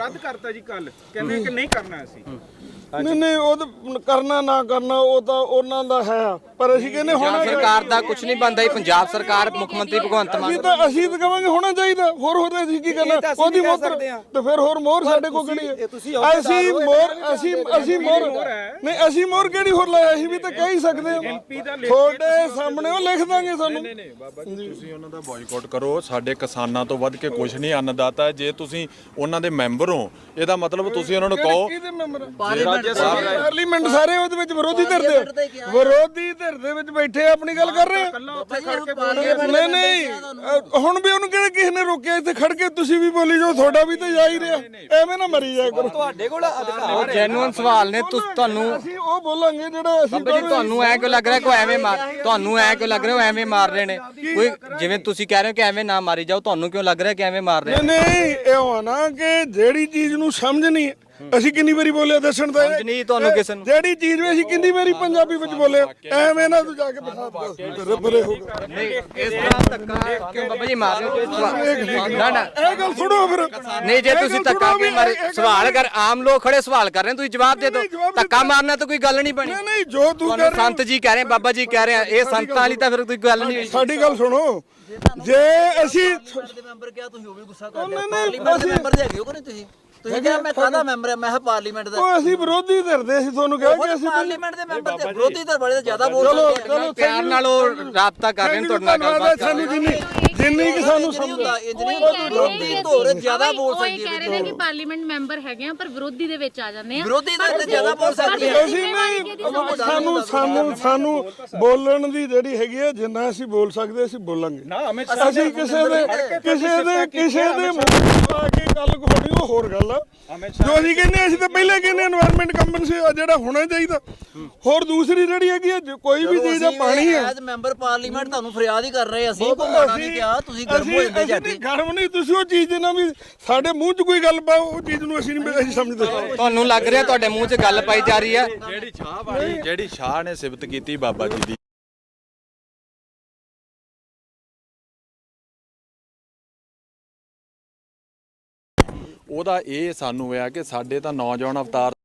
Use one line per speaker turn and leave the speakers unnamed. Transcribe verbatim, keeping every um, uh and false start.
ਰੱਦ ਕਰਤਾ ਜੀ ਕੱਲ, ਕਹਿੰਦੇ ਕਿ ਨਹੀਂ ਕਰਨਾ ਅਸੀਂ।
ਨਹੀਂ ਨਹੀਂ ਉਹ ਤਾਂ ਕਰਨਾ ਨਾ ਕਰਨਾ ਉਹ ਤਾਂ ਉਹਨਾਂ ਦਾ ਹੈ, ਪਰ ਅਸੀਂ ਕਹਿੰਦੇ ਹੋਣਾ
ਸਰਕਾਰ ਦਾ ਕੁਝ ਨਹੀਂ ਬਣਦਾ ਜੀ। ਪੰਜਾਬ ਸਰਕਾਰ ਮੁੱਖ ਮੰਤਰੀ ਭਗਵੰਤ ਮਾਨ
ਅਸੀਂ ਤਾਂ ਅਸੀਂ ਤਾਂ ਕਹਾਂਗੇ ਹੋਣਾ ਚਾਹੀਦਾ, ਹੋਰ ਹੋਰ ਅਸੀਂ ਕੀ ਕਰਨਾ ਉਹਦੀ ਮੋਹਰ ਤੇ ਫਿਰ ਹੋਰ ਮੋਹਰ ਸਾਡੇ ਕੋਲ ਕਿਹੜੀ ਹੈ? ਅਸੀਂ ਮੋਹਰ ਅਸੀਂ ਅਸੀਂ ਮੋਹਰ ਨਹੀਂ ਅਸੀਂ ਮੋਹਰ ਕਿਹੜੀ ਹੋਰ ਲਾਇਆ? ਅਸੀਂ ਵੀ ਤਾਂ ਕਹਿ ਹੀ ਸਕਦੇ ਹਾਂ, ਤੁਹਾਡੇ ਸਾਹਮਣੇ ਉਹ ਲਿਖ ਦਾਂਗੇ ਸਾਨੂੰ।
ਨਹੀਂ ਨਹੀਂ ਬਾਬਾ ਜੀ ਤੁਸੀਂ ਉਹਨਾਂ ਦਾ ਬਾਈਕਾਟ ਕਰੋ, ਸਾਡੇ ਕਿਸਾਨਾਂ ਤੋਂ ਵੱਧ ਕੇ ਕੁਝ ਨਹੀਂ ਅੰਨਦਾਤਾ। ਜੇ ਤੁਸੀਂ ਉਹਨਾਂ ਦੇ ਮੈਂਬਰ ਹੋ ਇਹਦਾ ਮਤਲਬ ਤੁਸੀਂ ਉਹਨਾਂ ਨੂੰ ਕਹੋ ਪਾਰਲੀਮੈਂਟ ਸਾਰੇ ਉਹਦੇ ਵਿੱਚ ਵਿਰੋਧੀ ਧਿਰ ਦੇ ਵਿਰੋਧੀ ਧਿਰ ਦੇ ਵਿੱਚ ਬੈਠੇ ਆਪਣੀ ਗੱਲ ਕਰ ਰਹੇ ਆ। ਨਹੀਂ ਨਹੀਂ ਹੁਣ ਵੀ ਉਹਨੂੰ ਕਿਹੜੇ ਕਿਸੇ ਨੇ ਰੋਕਿਆ? ਇੱਥੇ ਖੜ ਕੇ ਤੁਸੀਂ ਵੀ ਬੋਲੀ ਜਾਓ, ਤੁਹਾਡਾ ਵੀ ਤਾਂ ਜਾ ਹੀ ਰਿਹਾ, ਐਵੇਂ ਨਾ ਮਰੀ ਜਾਇਆ ਕਰੋ।
ਤੁਹਾਡੇ ਕੋਲ ਅਧਿਕਾਰ ਜੈਨੂਇਨ ਸਵਾਲ ਨੇ, ਤੁਸੀਂ ਤੁਹਾਨੂੰ
ਅਸੀਂ ਉਹ ਬੋਲਾਂਗੇ ਜਿਹੜਾ ਅਸੀਂ
ਬਾਬਾ ਜੀ ਤੁਹਾਨੂੰ ਐ ਕਿਉਂ ਲੱਗ ਰਿਹਾ ਕੋਈ ਐਵੇਂ ਮਾਰ ਤੁਹਾਨੂੰ ਐ ਕਿਉਂ ਲੱਗ ਰਿਹਾ ਉਹ ਐਵੇਂ ਮਾਰ ਰਹੇ ਨੇ? ਕੋਈ ਜਿਵੇਂ ਤੁਸੀਂ ਕਹਿ ਰਹੇ ਹੋ ਕਿ ਐਵੇਂ ਨਾ ਮਾਰੀ ਜਾਓ, ਤੁਹਾਨੂੰ ਕਿਉਂ ਲੱਗ ਰਿਹਾ ਕਿ ਐਵੇਂ ਮਾਰ ਰਹੇ?
ਨਹੀਂ ਇਹ ਹੋਣਾ ਕਿ ਜਿਹੜੀ ਚੀਜ਼ ਨੂੰ ਸਮਝ ਨਹੀਂ ਅਸੀਂ ਕਿੰਨੀ ਵਾਰੀ ਬੋਲਿਆ ਦੱਸਣ ਦਾ
ਨਹੀਂ ਤੁਹਾਨੂੰ ਕਿਸੇ ਨੂੰ
ਜਿਹੜੀ ਚੀਜ਼ ਵੀ ਅਸੀਂ ਕਿੰਨੀ ਵਾਰੀ ਪੰਜਾਬੀ ਵਿੱਚ ਬੋਲੇ ਐਵੇਂ ਨਾ ਤੂੰ ਜਾ ਕੇ ਬਤਾ ਬਰੇ ਹੋਗਾ।
ਨਹੀਂ ਇਸ ਤਰ੍ਹਾਂ ਧੱਕਾ ਕਿਉਂ ਬਾਬਾ ਜੀ ਮਾਰ ਰਹੇ ਹੋ? ਨਾ ਨਾ
ਇਹ ਗੱਲ ਸੁਣੋ ਫਿਰ।
ਨਹੀਂ ਜੇ ਤੁਸੀਂ ਧੱਕਾ ਕਿਉਂ ਮਾਰੇ? ਸਵਾਲ ਕਰ, ਆਮ ਲੋਕ ਖੜੇ ਸਵਾਲ ਕਰ ਰਹੇ ਨੇ, ਤੁਸੀਂ ਜਵਾਬ ਦੇ ਦਿਓ। ਧੱਕਾ ਮਾਰਨਾ ਤਾਂ ਕੋਈ ਗੱਲ ਨਹੀਂ ਬਣੀ।
ਨਹੀਂ ਨਹੀਂ ਜੋ ਤੂੰ ਕਰ
ਸੰਤ ਜੀ ਕਹਿ ਰਹੇ, ਬਾਬਾ ਜੀ ਕਹਿ ਰਹੇ ਆ, ਇਹ ਸੰਤਾਂ ਵਾਲੀ ਤਾਂ ਫਿਰ ਕੋਈ ਗੱਲ ਨਹੀਂ।
ਸਾਡੀ ਗੱਲ ਸੁਣੋ, ਜੇ ਅਸੀਂ
ਮੈਂਬਰ ਕਿਹਾ ਤੁਸੀਂ ਉਹ ਵੀ ਗੁੱਸਾ ਕਰ ਰਹੇ ਹੋ। ਪਾਰਲੀਮੈਂਟ ਦੇ ਮੈਂਬਰ ਹੈਗੇ ਹੋ ਕਿ ਨਹੀਂ ਤੁਸੀਂ? ਤੁਸੀਂ ਕਿਹਾ ਮੈਂ ਕਾਹਦਾ ਮੈਂਬਰ ਆ? ਮੈਂ ਹਾਂ ਪਾਰਲੀਮੈਂਟ ਦਾ।
ਉਹ ਅਸੀਂ ਵਿਰੋਧੀ ਧਿਰਦੇ ਅਸੀਂ ਤੁਹਾਨੂੰ ਕਿਹਾ ਕਿ ਅਸੀਂ
ਪਾਰਲੀਮੈਂਟ ਦੇ ਮੈਂਬਰ ਤੇ ਵਿਰੋਧੀ ਧਿਰ ਵਾਲੇ ਜ਼ਿਆਦਾ ਬੋਲ ਸਕਦੇ ਆ।
ਪਿਆਰ ਨਾਲ ਉਹ ਰਾਬਤਾ ਕਰ ਰਹੇ ਨੇ, ਤੁਹਾਡੇ ਨਾਲ ਗੱਲਬਾਤ ਕਰ ਰਹੇ
ਸਾਨੂੰ ਜਿੰਨੀ ਜਿੰਨੀ ਕਿ ਸਾਨੂੰ ਸਮਝ
ਹੁੰਦਾ ਇੰਜੀਨੀਅਰ ਵਿਰੋਧੀ ਧੋਰ ਜ਼ਿਆਦਾ ਬੋਲ ਸਕਦੀ ਹੈ।
ਕਹਿ ਰਹੇ ਨੇ ਕਿ ਪਾਰਲੀਮੈਂਟ ਮੈਂਬਰ ਹੈਗੇ ਆ ਪਰ ਵਿਰੋਧੀ ਦੇ ਵਿੱਚ ਆ ਜਾਂਦੇ ਆ।
ਵਿਰੋਧੀ ਧਿਰ ਤੇ ਜ਼ਿਆਦਾ ਬੋਲ ਸਕਦੀ ਹੈ।
ਅਸੀਂ ਨਹੀਂ ਸਾਨੂੰ ਸਾਨੂੰ ਸਾਨੂੰ ਬੋਲਣ ਦੀ ਜਿਹੜੀ ਹੈਗੀ ਹੈ, ਜਿੰਨਾ ਅਸੀਂ ਬੋਲ ਸਕਦੇ ਅਸੀਂ ਬੋਲਾਂਗੇ। ਅਸੀਂ ਕਿਸੇ ਦੇ ਕਿਸੇ ਦੇ ਕਿਸੇ ਦੇ ਮੂੰਹ ਆ ਕੇ ਗੱਲ ਹੋਣੀ ਉਹ ਹੋਰ ਗੱਲ ਆ। ਜੋ ਅਸੀਂ ਕਹਿੰਦੇ ਅਸੀਂ ਤਾਂ ਪਹਿਲਾਂ ਕਹਿੰਦੇ এনवायरमेंट ਕੰਪਨਸੇਸ਼ਨ ਜਿਹੜਾ ਹੋਣਾ ਚਾਹੀਦਾ। ਹੋਰ ਦੂਸਰੀ ਜਿਹੜੀ ਹੈਗੀ ਹੈ ਕੋਈ ਵੀ ਚੀਜ਼ ਦਾ ਪਾਣੀ ਹੈ।
ਐਜ਼ ਮੈਂਬਰ ਪਾਰਲੀਮੈਂਟ ਤੁਹਾਨੂੰ ਫਰਿਆਦ ਹੀ ਕਰ ਰਹੇ ਅਸੀਂ ਭਗਵਾਨਾ ਨਹੀਂ ਕਿਹਾ ਤੁਸੀਂ ਗਰਮ ਹੋ ਜਾਂਦੇ ਜਾਂਦੇ।
ਗਰਮ ਨਹੀਂ ਤੁਸੀਂ ਉਹ ਚੀਜ਼ ਦੇ ਨਾਲ ਵੀ ਸਾਡੇ ਮੂੰਹ 'ਚ ਕੋਈ ਗੱਲ ਪਾਓ ਉਹ ਚੀਜ਼ ਨੂੰ ਅਸੀਂ ਨਹੀਂ ਅਸੀਂ ਸਮਝਦੇ।
ਤੁਹਾਨੂੰ ਲੱਗ ਰਿਹਾ ਤੁਹਾਡੇ ਮੂੰਹ 'ਚ ਗੱਲ ਪਾਈ ਜਾ ਰਹੀ ਹੈ?
ਜਿਹੜੀ ਸ਼ਾਹ ਵਾਲੀ ਜਿਹੜੀ ਸ਼ਾਹ ਨੇ ਸਿਫਤ ਕੀਤੀ ਬਾਬਾ ਜੀ ਦੀ, ਉਹਦਾ ਇਹ ਸਾਨੂੰ ਆ ਕਿ ਸਾਡੇ ਤਾਂ ਨੌਜਵਾਨ ਅਵਤਾਰ